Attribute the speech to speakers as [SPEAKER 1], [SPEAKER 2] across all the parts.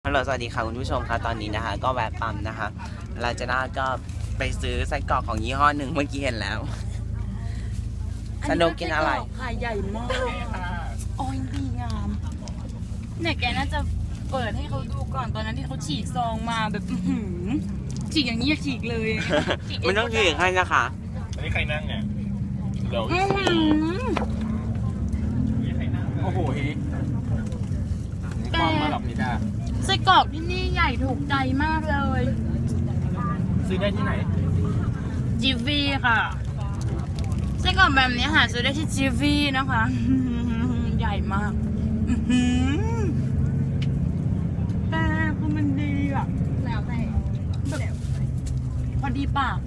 [SPEAKER 1] ฮัลโหลสวัสดีค่ะคุณผู้ชมคะตอนนี้นะคะก็แวะปั๊มนะคะลาจาน่าก็ไปซื้อไส้กรอกของยี่ห้อหนึ่งเมื่อกี้เห็นแล้วสนุกกินอะไร
[SPEAKER 2] ค่ะใหญ่มากโอ้ยดีงามเนี่ยแกน่าจะเปิดให้เขาดูก่อนตอนนั้นที่เขาฉีกซองมาแบบฉีกอย่างนี้ฉีกเลย
[SPEAKER 1] มันต้องฉีกให้นะคะ
[SPEAKER 3] อันนี้ใครนั่งเนี่ยเดี๋ยวโอ้โหเฮ้ยความมาหลับนี่จ้า
[SPEAKER 2] ไส้กรอกที่นี่ใหญ่ถูกใจมากเลย
[SPEAKER 3] ซื้อได้ที่ไหน
[SPEAKER 2] จีวีค่ะไส้กรอกแบบนี้หาซื้อได้ที่จีวีนะคะใหญ่มากแต่คือมันดีอ่ะแล้วแต่แบบพอดีปาก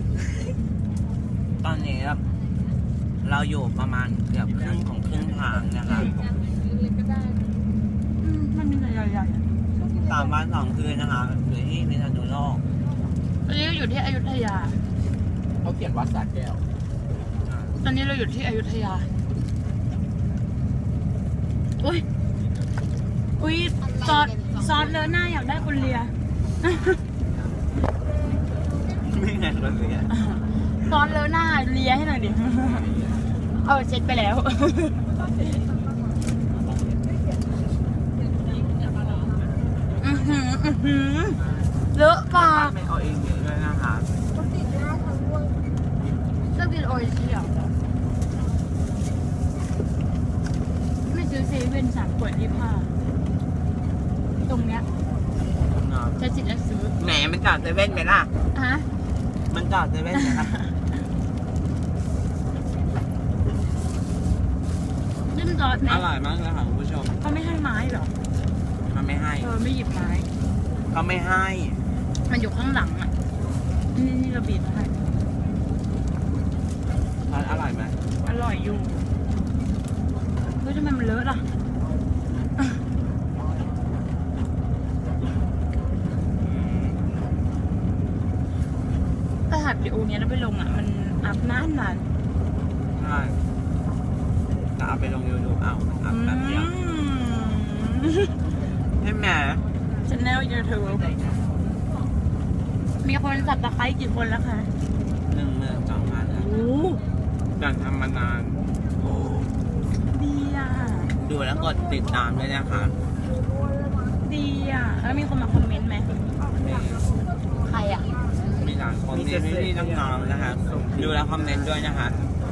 [SPEAKER 1] ตอนนี้เราอยู่ประมาณเกือบครึ่งของครึ่งทางนะคะ
[SPEAKER 2] มันมีใหญ่ๆ
[SPEAKER 1] 3 วัน 2 คืนนะคะอยู่ที่พิษณุโลก
[SPEAKER 2] ตอนนี้เราอยู่ที่อยุธยา
[SPEAKER 3] เขาเขียนวัดสระแก้ว
[SPEAKER 2] ตอนนี้เราอยู่ที่อยุธยาอุ้ยซอสเลอะหน้าอยากได้คุณเลีย
[SPEAKER 1] ไม่ไงคนเลีย
[SPEAKER 2] ซอสเลอะหน้าเลียให้หน่อยดิเช็ดไปแล้วเลอะปาก
[SPEAKER 1] ไม่เอาเองเยอะด้วยนะคะ
[SPEAKER 2] เลือกกินโออิชิเหรอไม่ซื้อเซเว่น3 ขวด25ตรงเนี้ยใช้สิทธิ์แล้วซื้อ
[SPEAKER 1] แหมมันจอดเซเว่นไหมล่ะ
[SPEAKER 2] ฮะ
[SPEAKER 1] มันจอดเซเว่นไหมล่ะ
[SPEAKER 2] จิ้มซอสไหม
[SPEAKER 1] อร่อยมากเลยค่ะคุณผู้ชม
[SPEAKER 2] เขาไม่ให้ไม้หรอ
[SPEAKER 1] เขาไม่ให้
[SPEAKER 2] ไม่หยิบไม้
[SPEAKER 1] เขาไม่ให้
[SPEAKER 2] มันอยู่ข้างหลังอ่ะนี่เราบีบให้
[SPEAKER 1] อร่อยไหม
[SPEAKER 2] อร่อยอยู่เฮ้ยทำไมมันเลอะล่ะถ้าหัดวิดีโอเนี้ยแล้วไปลงอ่ะมันอัพนาน
[SPEAKER 1] ใช่จะเอาไปลงยูทูบเอาอัพแป๊บเดียวใช่ไหม
[SPEAKER 2] channel YouTube มีคนสับตะไคร้กี่คนแล้วคะ
[SPEAKER 1] 12,000แล้วอยากทำมานาน
[SPEAKER 2] ดีอ่ะ
[SPEAKER 1] ดูแล้วกดติดตามด้วยนะคะ
[SPEAKER 2] ดีอ่ะแล้วมีคนมาคอมเมนต์ไหมใครอ่ะ
[SPEAKER 1] มีหลายคนที่น้องๆนะคะดูแล้วคอมเมนต์ด้วยนะคะ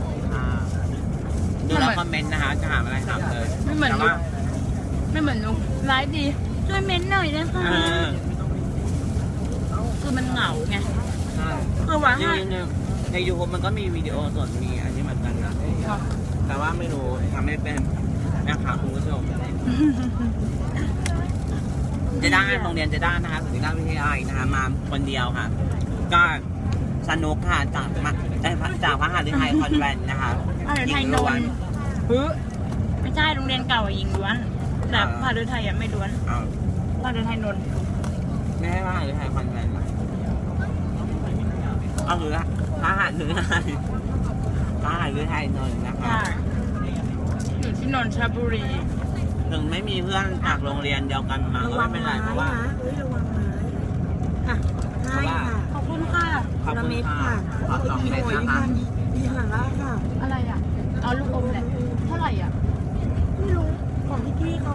[SPEAKER 1] ดูแล้วคอมเมนต์นะคะจะหาอะไรถามเลย
[SPEAKER 2] ไม่เหมือนนุ๊กไลฟ์ดีช่วยเม้นหน่อยนะคะคือมันเหงาไงคือว่า
[SPEAKER 1] ในยูทูบมันก็มีวิดีโอส่วนมีอันนี้เหมือนกันนะแต่ว่าไม่รู้ทำไม่เป็นนะคะคุณผู้ชมจะได้โรงเรียนจะได้นะคะสุรินทร์วิทยาลัยนะคะมาคนเดียวค่ะก็สนุกค่ะจากพระหฤทัยคอนแวนต์นะคะ
[SPEAKER 2] หญิงล้วนไม่ใช่โรงเรียนเก่าหญิงล้วนแต่พระฤทัยไม่ล้วนพระฤทัยนนท์
[SPEAKER 1] ไม่ใช่พระหฤทัยคอนแวนต์เอาหรือพระหฤทัยนนท์นะคะ
[SPEAKER 2] อยู่ที่นนทบุรี
[SPEAKER 1] ถึงไม่มีเพื่อนจากโรงเรียนเดียวกันมาก็ไม่เป็นไรเพราะว่า
[SPEAKER 2] ขอบคุณค่ะ
[SPEAKER 1] ขอบคุณค่ะขอบคุณนะคะ
[SPEAKER 2] ดีหลังแล้วค่ะอะไรอ่ะเอาลูกอมแหละเท่าไหร่อ่ะไม่รู้ของพี่เขา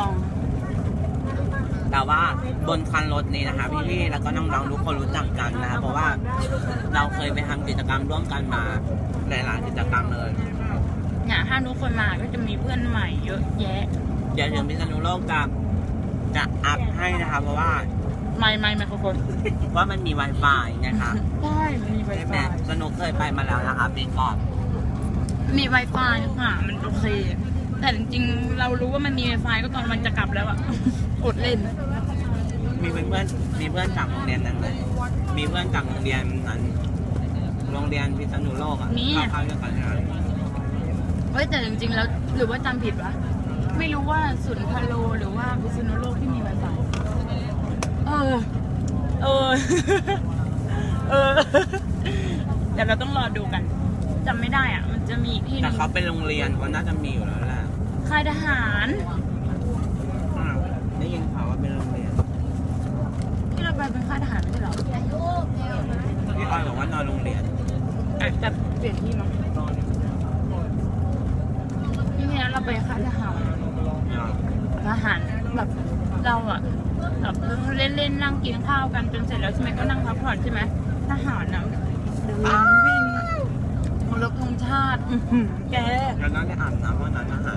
[SPEAKER 1] แต่ว่าบนคันรถนี้นะคะพี่ๆแล้วก็น้องๆทุกคนรู้จักกันนะคะเพราะว่าเราเคยไปทำกิจกรรมร่วมกันมาหลายๆกิจกรรมเลย
[SPEAKER 2] เนี่ยถ้าทุกคนมาก็จะมีเพื่อนใหม่เยอะแยะ
[SPEAKER 1] เดี๋ยวถึงพิษณุโลกจะอัพให้นะคะเพราะว่า
[SPEAKER 2] ไม่ขอบคุณ
[SPEAKER 1] ว่ามันมี Wi-Fi นะคะ
[SPEAKER 2] ใช่มี Wi-Fi
[SPEAKER 1] สนุกเคยไปมาแล้วนะคะปีก่อน
[SPEAKER 2] มี Wi-Fi ค่ะมันโอเคแต่จริงๆเรารู้ว่ามันมี Wi-Fi ก็ตอนมันจะกลับแล้วอะอดเล่น
[SPEAKER 1] มีเพื่อนจากโรงเรียนนั้นเลยมีเพื่อนจากโรงเรียนนั้นโรงเรียนพิษณุโลกอ่ะเข้าด้วยกันนะ
[SPEAKER 2] เฮ้ยแต่จริงๆแล้วหรือว่าจำผิดวะไม่รู้ว่าสุนทรโลหรือว่าพิษณุโลกที่มี Wi-Fi เดี๋ยวเราต้องรอดูกันจำไม่ได้อ่ะมันจะมีที่
[SPEAKER 1] แต่เขาเป็นโรงเรียนเขาน่าจะมีอยู่แล้วแหละ
[SPEAKER 2] ค่ายทหาร
[SPEAKER 1] ได้ยินข่าวว่าเป็นโรงเรียน
[SPEAKER 2] หารแบบเราอะแบบเล่นๆนั่งกินข้าวกันจนเสร็จแล้วใช่ไหมก็นั่งพักผ่อนใช่ไหมทหารนะเดินวิ่งเคารพธงชาติแก
[SPEAKER 1] แล้วน้องได้อาบน้ำว่านั้นอาหาร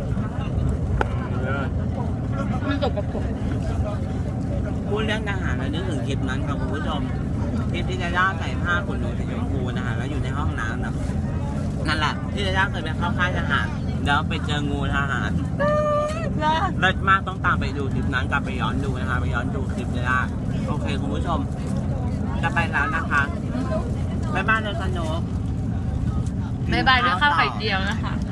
[SPEAKER 2] มันตกกับผม
[SPEAKER 1] พูดเรื่องทหารแล้วนึกถึงคลิปนั้นค่ะคุณผู้ชมคลิปที่จะย่าใส่ผ้าขนหนูสีชมพูนะคะแล้วอยู่ในห้องน้ำนะนั่นแหละที่จะย่าเคยไปเข้าค่ายทหารแล้วไปเจองูทหารเลิศมากต้องตามไปดูคลิปนั้นกลับไปย้อนดูนะคะไปย้อนดูคลิปเลยอ่ะโอเคคุณผู้ชมจะไปแล้วนะคะบ๊ายบายเลยสนุก
[SPEAKER 2] บ๊ายบายด้วยข้าวไข่เจียวนะคะ